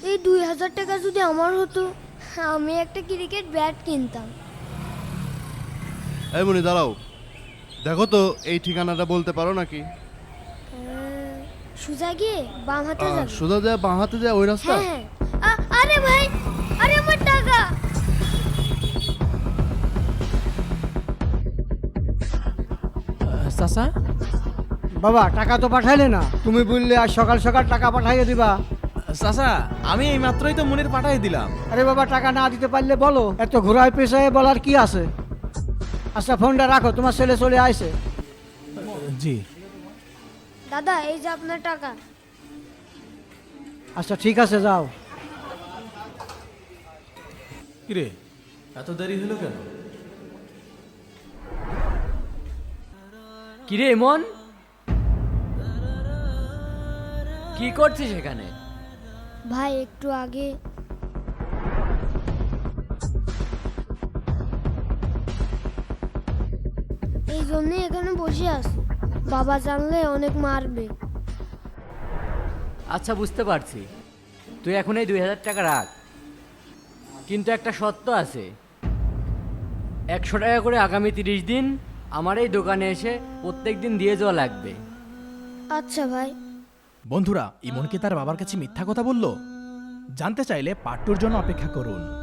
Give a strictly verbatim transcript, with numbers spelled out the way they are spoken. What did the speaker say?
এই দুই হাজার টাকা যদি আমার হতো, আমি একটা ক্রিকেট ব্যাট কিনতাম। এই মনি দাঁড়াও, দেখো তো এই ঠিকানাটা বলতে পারো নাকি? আহ, সোজা গিয়ে বাম হাতে আহ, যাবে। সোজা যায় বাঁ হাতে যায় ওই রাস্তা? হ্যাঁ হ্যাঁ। আ- আরে ভাই, আরে আমার টাকা। চাচা, বাবা টাকা তো পাঠাইলে না, তুমি বললে আজ সকাল সকাল টাকা পাঠাইয়ে দিবা। চাচা আমি এই মাত্রই তো মনির পাঠাই দিলাম। আরে বাবা টাকা না দিতে পারলে বলো, এত ঘোরায় পেশায় বলার কি আছে। আচ্ছা ফোনটা রাখো, তোমার ছেলে চলে আইছে। জি। দাদা, এই যে আপনার টাকা। আচ্ছা ঠিক আছে যাও। কিরে, এত দেরি হলো কেন? কিরে মন, কি করছিস এখানে? ভাই একটু আগে এই জন্যই এখানে বসে আছি, বাবা জানলে অনেক মারবে। আচ্ছা বুঝতে পারছি, তুই এখন এই দুই হাজার টাকা রাখ, কিন্তু একটা শর্ত আছে। একশো টাকা করে আগামী তিরিশ দিন আমার এই দোকানে এসে প্রত্যেক দিন দিয়ে যাওয়া লাগবে। আচ্ছা ভাই। বন্ধুরা, ইমন কি তার বাবার কাছে মিথ্যা কথা বলল? জানতে চাইলে পার্ট টুর জন্য অপেক্ষা করুন।